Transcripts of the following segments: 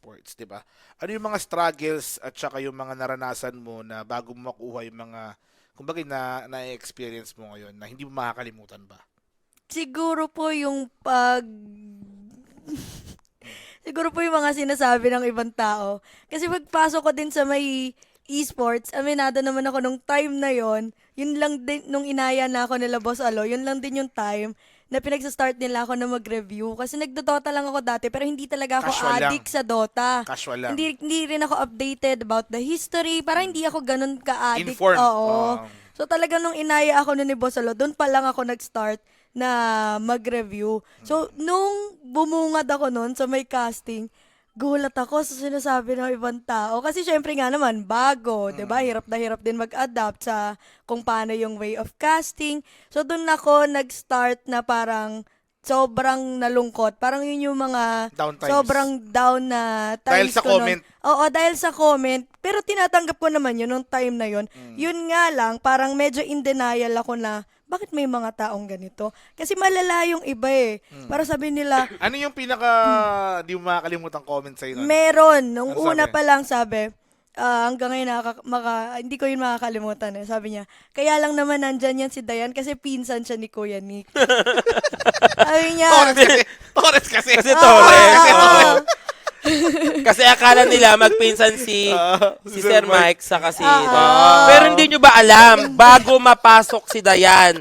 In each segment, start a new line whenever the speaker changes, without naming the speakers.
esports, 'di ba? Ano yung mga struggles at saka yung mga naranasan mo na bago mo makuha yung mga kumbaga na-experience mo ngayon na hindi mo makakalimutan ba?
Siguro po yung siguro po yung mga sinasabi ng ibang tao. Kasi pagpasok ko din sa may esports, aminado naman ako nung time na yon. Yun lang din, nung inaya na ako nila Boss Alo, yun lang din yung time na pinagsa-start nila ako na mag-review. Kasi nagdo-Dota lang ako dati, pero hindi talaga ako
Casual lang.
addict sa Dota.
Casual lang.
Hindi rin ako updated about the history. Parang hindi ako ganun ka-addict.
Informed.
Oo. So talaga nung inaya ako nun ni Boss Alo, doon pa lang ako nag-start na mag-review. So, nung bumungad ako nun sa may casting, gulat ako sa sinasabi ng ibang tao. Kasi syempre nga naman, bago, 'di ba? Hirap na hirap din mag-adapt sa kung paano yung way of casting. So, doon ako nag-start na parang sobrang nalungkot. Parang yun yung mga
Down times.
sobrang down na
Dahil
times
sa
ko nun.
comment.
Oo, dahil sa comment. Pero tinatanggap ko naman yun nung time na yun. Yun nga lang, parang medyo in denial ako na bakit may mga taong ganito? Kasi malala yung iba eh. Para sabi nila,
Ano yung pinaka di mo makakalimutan comment sa'yo nun?
meron. Nung
Ano
una
sabi?
pa lang sabi, hanggang ngayon hindi ko yun makakalimutan eh. Sabi niya, kaya lang naman nandyan yan si Dayan kasi pinsan siya ni Kuya Nick. Sabi niya,
Torres kasi. Torres kasi.
Kasi Torres.
oo,
oo.
oo.
Kasi akala nila magpinsan si Sir Mike sa kasi.
Ah.
Pero hindi nyo ba alam, bago mapasok si Dayan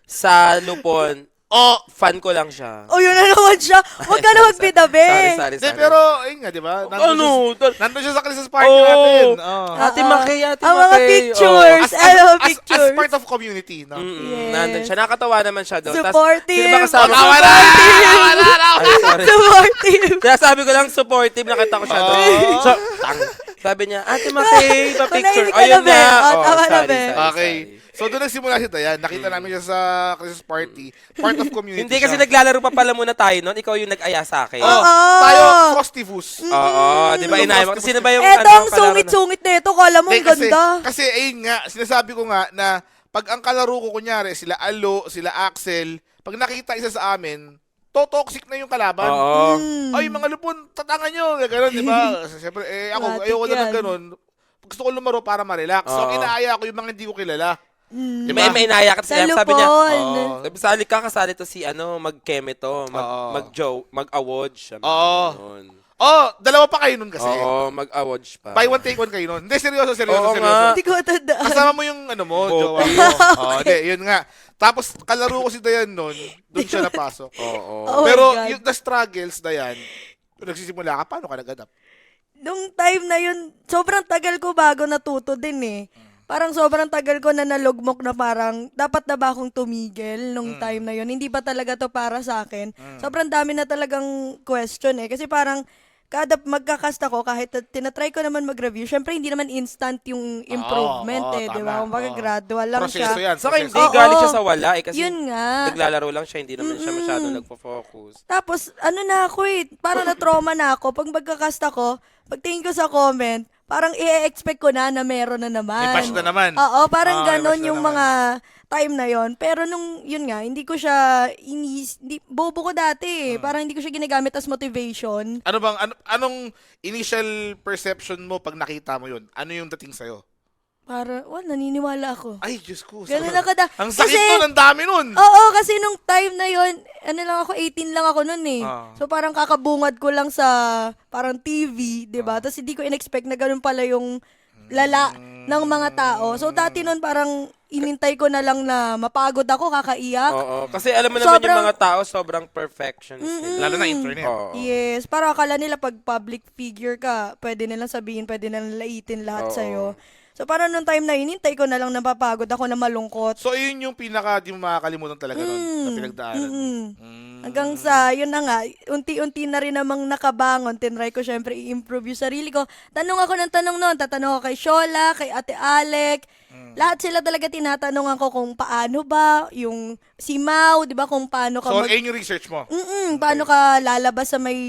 sa Lupon, fan ko lang siya.
Oh, yun na naman siya. Huwag ka na magbidabi.
Sorry.
Hindi, pero, ayun nga, di ba?
Ano?
Nandun siya sa Christmas party
Oo.
natin. Oh.
Ate Makay, Ate
Ang mga
Makay.
pictures.
As,
I love
as
pictures.
part of community, no?
Yes.
Nandun siya. Nakatawa naman siya doon. Tas,
Supportive.
sino ba kasama?
Tawa na! Tawa na!
Ay, sorry.
Supportive.
Kaya sabi ko lang supportive, nakita ko siya doon.
Oh.
So, sabi niya, Ate Makay, pa-picture.
Kunahin ka na,
Ayun
be.
na.
Oh, tama na, be.
Okay. So, doon nagsimula si Dayan. Nakita namin siya sa Christmas party. Part of community
Hindi kasi
siya.
naglalaro pa pala muna tayo noon. Ikaw yung nag-aya sa akin.
Oh,
Oo.
tayo, Frostivus.
Oo, di ba inaya mo? Kasi sino ba yung
Eto ang
kalaro na-
sungit-sungit na ito. Kala mo ang
Hindi,
ganda.
Kasi, ayun nga, sinasabi ko nga na pag ang kalaro ko, kunyari, sila Alo, sila Axel, pag nakita isa sa amin, toxic na yung kalaban.
Oo.
Ay, mga lupon, tatangan nyo. Gano'n, di ba? Siyempre, ako,
Matik
ayoko na ng
yan.
gano'n. Gusto ko lumaro para ma-relax. So, ang
Oo.
inaaya ko yung mga hindi ko kilala.
Di ba? May inaya ka.
Sa
Sabi niya,
Lupon.
Oo.
Sali ka, kasali to si mag-keme to,
Oo.
mag-award siya.
Oo.
Ganun.
Oh, dalawa pa kayo nun kasi.
Oo, mag-award pa.
Buy one, take one kayo nun. Hindi, seryoso.
Oo
seryoso.
nga.
Hindi ko matandaan.
Kasama mo yung ano mo,
Bobo.
jowa mo. Hindi, yun nga. Tapos, kalaro ko si Dayan nun, doon siya napasok.
Oo.
Oh my
Pero,
God.
yung the struggles, Dayan, nagsisimula ka, paano ka nag-adapt?
Nung time na yun, sobrang tagal ko bago natuto din eh. Parang sobrang tagal ko na nalugmok na parang dapat na ba akong tumigil nung time na yun. Hindi ba talaga to para sa akin? Sobrang dami na talagang question eh. Kasi parang kada magkakast ako, kahit tinatry ko naman mag-review, syempre hindi naman instant yung improvement
Oo,
eh, di
tama.
ba? Kumbaga
Oo.
gradual lang
Proseso
siya.
yan.
Saka
proseso.
hindi,
Oo.
galing siya sa wala eh. Kasi
Yun nga.
naglalaro lang siya, hindi naman siya masyadong nagpo-focus.
Tapos, ano na ako eh, parang na-trauma na ako. Pag magkakast ako, pagtingin ko sa comment, parang i-expect ko na meron na naman.
May patch na naman.
Oo, parang
May
ganon
patch na
yung
naman.
mga time na yon. Pero nung, yun nga, hindi ko siya, bobo ko dati eh. Parang hindi ko siya ginagamit as motivation.
Ano bang, anong initial perception mo pag nakita mo yun? Ano yung dating sa'yo?
Para, naniniwala ako.
Ay, Diyos ko.
Ganun ako
Ang sakit
kasi-
nun, ang dami nun.
Oo, kasi nung time na yon, ano lang ako, 18 lang ako nun eh.
Ah.
So parang kakabungad ko lang sa parang TV, 'di ba? Tapos hindi ko in-expect na ganun pala yung lala ng mga tao. So dati nun parang inintay ko na lang na mapagod ako, kakaiyak.
Oo. Kasi alam mo naman
Sobrang-
yung mga tao, sobrang perfectionist nila.
Lalo na internet.
Oo.
Yes, para akala nila pag public figure ka, pwede nilang sabihin, pwede nilang laitin lahat
Oo.
sa'yo. So parang nung time na inintay ko na lang napapagod ako na malungkot.
So, yun yung pinaka di mo makakalimutan talaga nun na pinagdaanan mo.
Hanggang sa, yun na nga, unti-unti na rin namang nakabangon. Tinry ko syempre i-improve yung sarili ko. Tanong ako ng tanong noon. Tatanong ako kay Shola, kay Ate Alec. Lahat sila talaga tinatanong ako kung paano ba, yung si Mau, di ba, kung paano ka
So, ayun yung research mo.
paano ka lalabas sa may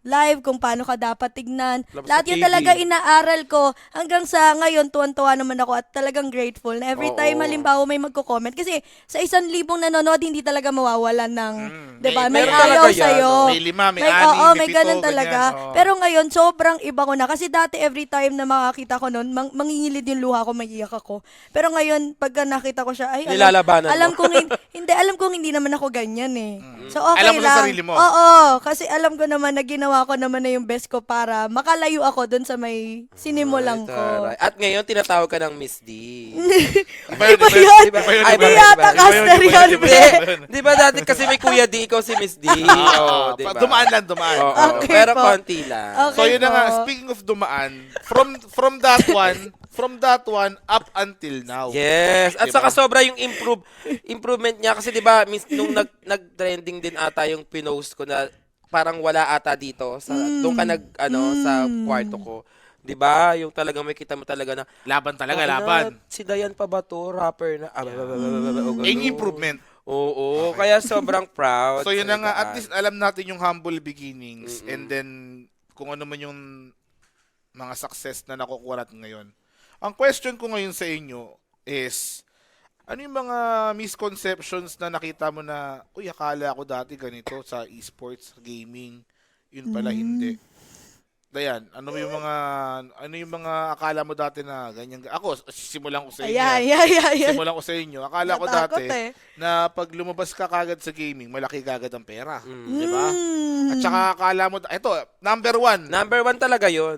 live, kung paano ka dapat tignan.
Labas
Lahat
sa
yun
TV.
talaga inaaral ko. Hanggang sa ngayon, tuwan-tuwa naman ako at talagang grateful na every
Oo.
time halimbawa may magko-comment. Kasi sa 1,000 nanonood, hindi talaga mawawalan ng, di ba? May
meron
ayaw
talaga yan,
sa'yo.
no?
May 5, may 6,
oo,
may
may
7,
ganun talaga.
ganyan. Oo.
Pero ngayon, sobrang iba ko na. Kasi dati every time na makakita ko nun, mangingilid yung luha ko, maiiyak ako. Pero ngayon, pagka nakita ko siya, ay,
Nilalabanan mo.
alam kong, alam kong hindi naman ako ganyan eh. So, okay
Alam mo sa
lang.
sarili mo.
Oo, kasi alam ko naman na ginawa ko naman na yung best ko para makalayo ako dun sa may sinimulan ko.
Taray. At ngayon, tinatawag ka ng Miss D.
Iba yun,
Iba
iba yun.
yun.
Iba yun,
Ay,
iba
Hindi
yun.
yata
Iba yun,
caster
iba yun,
yun,
iba
Hindi.
yun.
Di ba dati kasi may Kuya D, ikaw si Miss D? Oo, di ba?
Dumaan lang, dumaan.
Oo,
Okay
pero
po.
konti lang.
Okay.
So yun na
po.
nga, speaking of dumaan, from that one up until now.
Yes. At
Diba?
saka sobra yung improvement niya kasi 'di ba nung nag-trending din ata yung pinost ko na parang wala ata dito sa doon ka sa kwarto ko. 'Di ba? Yung talagang may kita mo talaga na
Laban talaga,
"Ay, na,
laban.
Si Dayan pa ba to? Rapper na.
Yung improvement.
Oo, kaya sobrang proud.
So yun na nga, at
Dayan.
least alam natin yung humble beginnings and then kung ano man yung mga success na nakukuha natin ngayon. Ang question ko ngayon sa inyo is, ano yung mga misconceptions na nakita mo na, uy, akala ko dati ganito sa esports, gaming, yun pala hindi. Dayan, ano yung mga akala mo dati na ganyan? Ako, simulan ko sa inyo.
Ayan.
Simulan ko sa inyo. Akala ko
Natakot
dati
eh.
na pag lumabas ka kagad sa gaming, malaki kagad ang pera.
Mm.
Di ba? At saka akala mo, ito, number one
Number 1 talaga 'yon.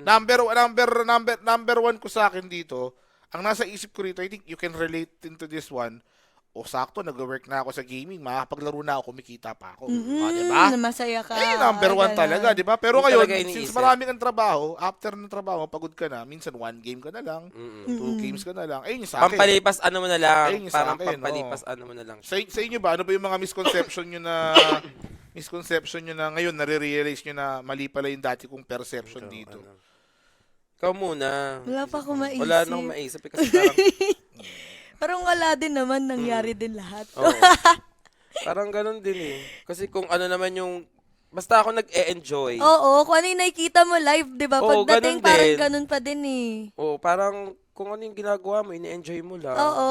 number one ko sa akin dito, ang nasa isip ko rito, I think you can relate into this one. O sakto, nag-work na ako sa gaming, makakapaglaro na ako, kumikita pa ako. O, di ba?
Na masaya ka.
Eh, number one
Ganun.
talaga, di ba? Pero
Hindi
ngayon,
talaga
since
iniisip.
maraming ang trabaho, after ng trabaho, pagod ka na, minsan 1 game ka na lang, 2 games ka na lang. Ayun yung sa akin.
Pampalipas ano mo na lang.
Ayun yung sa
Parang
akin,
pampalipas ano mo na lang.
Sa inyo ba, ano ba yung mga misconception nyo na ngayon, nare-realize nyo na mali pala yung dati kong perception dito?
Ikaw muna.
Wala pa akong maisip.
Wala nang maisip eh, kasi parang,
Parang wala din naman, nangyari din lahat.
oo. Parang ganun din eh. Kasi kung ano naman yung, basta ako nag-e-enjoy.
Oo, kung ano yung nakikita mo live, di ba?
Oo,
Pagdating,
ganun
parang
din.
ganun pa din eh.
Oo, parang kung ano yung ginagawa mo, ine-enjoy mo lang.
Oo.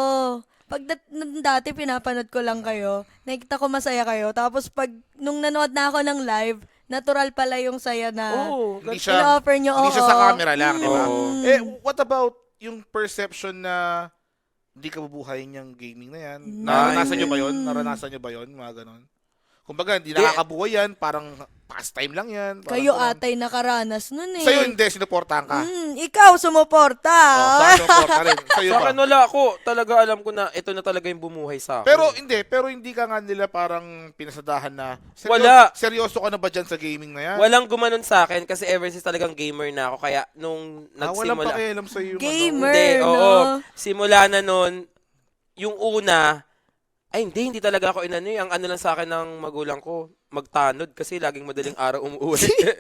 Nung dati, pinapanood ko lang kayo. Nakikita ko masaya kayo. Tapos nung nanood na ako ng live, natural pala yung saya na
Oo,
Hindi
in-offer nyo.
Hindi siya
oo.
sa camera lang, di ba?
Oo.
Eh, what about yung perception na hindi ka bubuhayin yung gaming na yan? Naranasan nyo ba yun? Naranasan nyo ba yun? Mga ganon. Kumbaga, hindi nakakabuhay yan. Parang pastime lang yan. Parang
Kayo
ganon.
atay nakaranas nun eh.
Sa'yo hindi, sinuportahan ka.
Ikaw, sumuporta.
Oh, sa'yo sinuporta rin. Sa'yo
Sa
ba?
akin wala ako. Talaga alam ko na ito na talaga yung bumuhay sa akin.
Pero hindi ka nga nila parang pinasadahan na,
Wala.
Seryoso ka na ba dyan sa gaming na yan?
Walang gumanon sa akin kasi ever since talagang gamer na ako. Kaya nung
Walang
nagsimula.
pakialam sa'yo yung
Gamer.
Hindi,
no?
oo. Simula na nun, yung una, ay hindi talaga ako inano. Ang ano lang sa akin ng magulang ko, magtanod kasi laging madaling araw umuwi.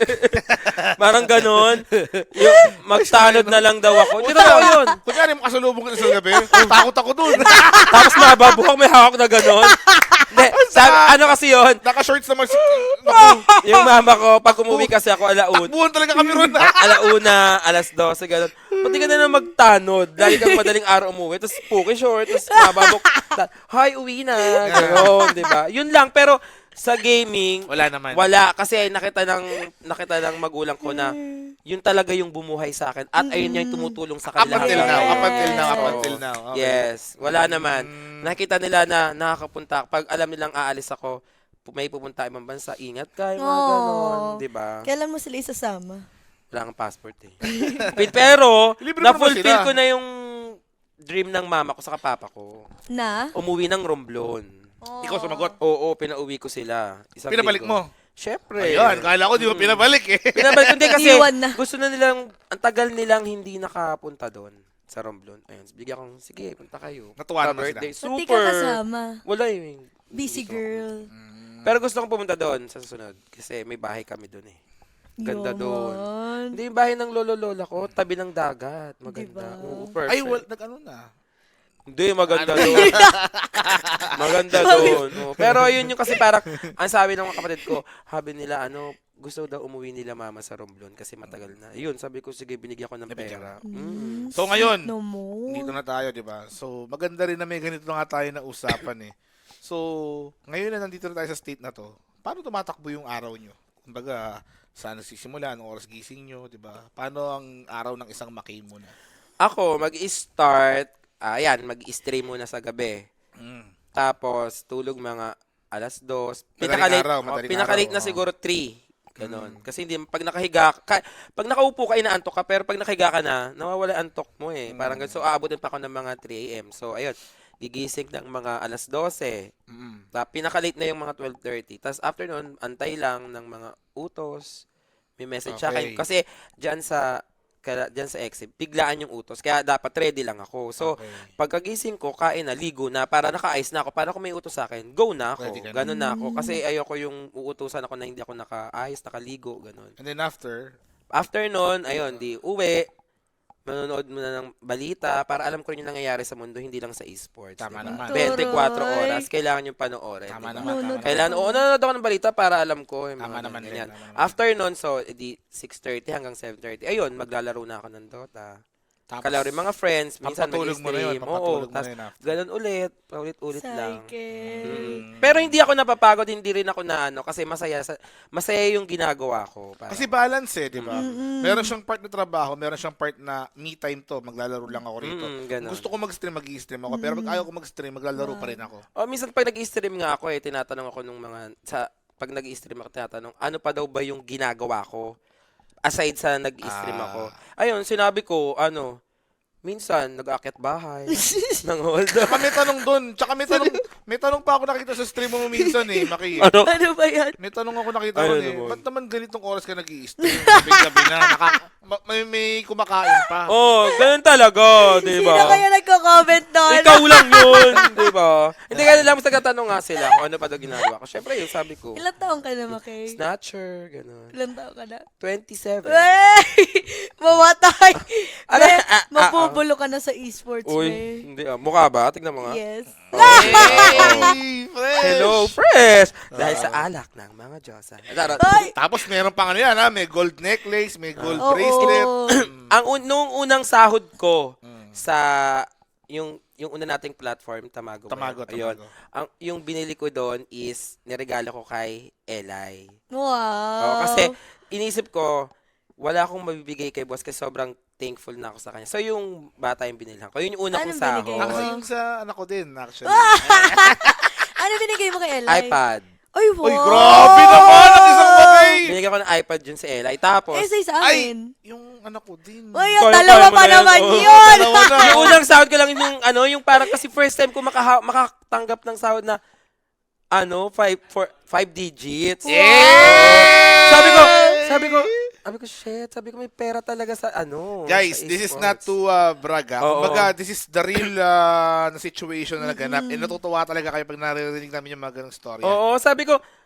Parang ganon. Yung magtanod na lang daw ako. Hindi totoo yun.
Kunyari mo kasalubong ka sa gabi, takot ako dun.
Tapos mababuhok, may hawak na ganon. Hindi, ano kasi yun,
Naka-shorts naman si...
yung mama ko, pag umuwi kasi ako alaun,
Takbuhan talaga kami ron.
alauna, 12, gano'n. Pati ka na magtanod. Lagi kang madaling araw umuwi. Tapos puki short. Tapos mababok. Hi, uwi na. Gano'n, di ba? Yun lang. Pero sa gaming,
Wala naman.
wala. Kasi nakita ng magulang ko na yun talaga yung bumuhay sa akin. At ayun yung tumutulong sa
Up
kanila.
until now. Up until now. Up
Oo.
until now. Okay.
Yes. Wala naman. Nakita nila na nakakapunta. Pag alam nilang aalis ako, may pupunta ibang bansa, ingat ka, yung mga ganon. Di ba?
Kailan mo sila isasama?
Wala kang passport eh. Pero,
Libre mo naman
na-fulfill
sila.
ko na yung dream ng mama ko sa papa ko.
Na?
Umuwi ng Romblon.
Ikaw sumagot.
Oo, pinauwi ko sila. Isang
Pinabalik
linggo.
mo.
Syempre.
Ayun, kala ko di mo pinabalik eh.
Pinabalik ko hindi kasi
Iwan na.
gusto na nilang, ang tagal nilang hindi nakapunta doon sa Romblon. Ayun, bigyan kong, sige, punta kayo.
Natuwa naman
birthday.
Ba't di ka
Super.
kasama?
Wala eh.
Busy girl.
Pero gusto kong pumunta doon sa susunod. Kasi may bahay kami doon eh. Ganda doon.
Yaman.
Hindi yung bahay ng lolo-lola ko, tabi ng dagat. Maganda.
Diba?
Oo, perfect.
Ay, nag-ano na.
Hindi, maganda doon. maganda doon. Oo. Pero yun yung kasi parang, ang sabi ng mga kapatid ko, sabi nila, gusto daw umuwi nila mama sa Romblon kasi matagal na. Yun, sabi ko, sige, binigyan ko ng
Nabigyan
pera.
ka.
Sweet
So, ngayon,
naman.
dito na tayo, di ba? So, maganda rin na may ganito na nga tayo na usapan eh. So, ngayon na nandito na tayo sa state na to, paano tumatakbo yung araw nyo? Kumbaga, saan nagsisimula, anong oras gising nyo, di ba? Paano ang araw ng isang McKay muna?
Ako, mag-start, mag-stream muna sa gabi.
Mm.
Tapos, tulog mga alas 2.
Madaling
Pinaka-late
araw,
na
oo.
siguro 3. Ganon. Kasi hindi, pag nakahiga, pag nakaupo ka, inaantok ka, pero pag nakahiga ka na, nawawala ang antok mo eh. Parang ganun. So, aabutin pa ako ng mga 3 a.m. So, ayun, gigising ng mga alas 12.
Mm.
Pinaka-late na yung mga 12:30. Tapos after nun, antay lang ng mga utos. May message sa akin.
Okay.
Kasi dyan sa exit, biglaan yung utos. Kaya dapat ready lang ako. So,
Okay.
pagkagising ko, kain na, ligo na, para naka-ice na ako. Para kung may utos sa akin, go na ako.
Ready ka na.
Ganun na ako. Kasi ayoko yung uutusan ako na hindi ako naka-ice, nakaligo, ganun.
And then after,
After nun, ayun, di uwi, manonood muna ng balita para alam ko rin yung nangyayari sa mundo, hindi lang sa esports.
Tama
diba?
naman.
24
Turoy.
oras, kailangan yung panoorin.
tama
diba?
naman, tama
Nunod.
naman.
Kailangan, nanonood ako ng balita para alam ko. Yung
Tama
mga
naman din,
ganyan.
tama naman.
After nun, so, di 6:30 hanggang 7:30. Ayun, maglalaro na ako ng Dota.
Tapos,
Kalaro yung mga friends, minsan
papatulog mo na yun,
mag-stream.
papatulog mo
tas
na yun after.
ganun ulit, paulit-ulit lang.
Psyche.
Pero hindi ako napapagod, hindi rin ako na kasi masaya yung ginagawa ko. Parang,
Kasi balance eh, di ba? Meron siyang part na trabaho, meron siyang part na me time to, maglalaro lang ako rito.
ganun.
Gusto ko mag-stream, mag-i-stream ako. Pero pag ayaw ko mag-stream, maglalaro pa rin ako.
O, minsan pag nag-stream nga ako tinatanong ako nung pag nag-stream ako, tinatanong, ano pa daw ba yung ginagawa ko? Aside sa nag-stream
Ah.
ako. Ayun, sinabi ko, minsan, nag-aakyat bahay, ng hold
Tsaka may tanong doon. Tsaka may tanong pa ako nakita sa stream mo minsan eh, Maki.
Ano?
Ano ba yan?
May tanong ako nakita
Ano
ko eh.
naman?
Ba't naman ganitong oras ka nag-i-stream? Gabi-gabi na. May kumakain pa.
Oh, ganun talaga, di
Sino
ba?
kaya nagko-comment doon?
Ikaw lang yun, di ba? Hindi kaya lang nagtatanong nga sila kung ano pa daw ginagawa ko. Siyempre, yung sabi ko,
Ilan taong ka na, Makay?
Snatcher, gano'n.
Ilan taong ka na?
27.
Wey! Mamatay!
Ano?
Be, mabubulo ka na sa esports,
Uy,
be.
hindi Mukha ba? Tignan mo nga.
Yes.
Hey, fresh!
Hello, fresh! Dahil sa alak ng mga Diyosa.
Ay!
Tapos meron pang ano yan ha, may gold necklace, may gold
Oo.
bracelet.
Nung unang sahod ko sa yung una nating platform, Tamago. ba
Tamago,
yun? Ayun.
Tamago.
Yung binili ko doon is niregalo ko kay Eli.
Wow.
Oo, kasi inisip ko, wala akong mabibigay kay boss kasi sobrang thankful na ako sa kanya. So, yung bata yung binilhan ko. Yun yung una
Anong
kong sahod.
binigay
Ah,
mo?
kasi yung sa anak ko din, actually.
Ano binigay mo kay Eli?
iPad.
Ay, wow.
Uy, grabe naman ang isang bagay!
Binigyan ko ng iPad yun si Eli. Tapos,
Eh, sa
Ay,
amin.
yung anak ko din.
Uy,
Kaya-
dalawa
kaya mo
pa
na yan,
naman
oh.
yun.
Dalawa na.
yung unang sahod ko lang yung parang kasi first time ko makatanggap ng sahod na 5 digits. Sabi ko, shit, may pera talaga sa
Guys,
sa
this is
esports.
not to brag.
Oo.
Kumbaga, this is the real na situation na naganap. And natutuwa talaga kayo pag naririnig namin yung mga ganong story.
Oo, sabi ko,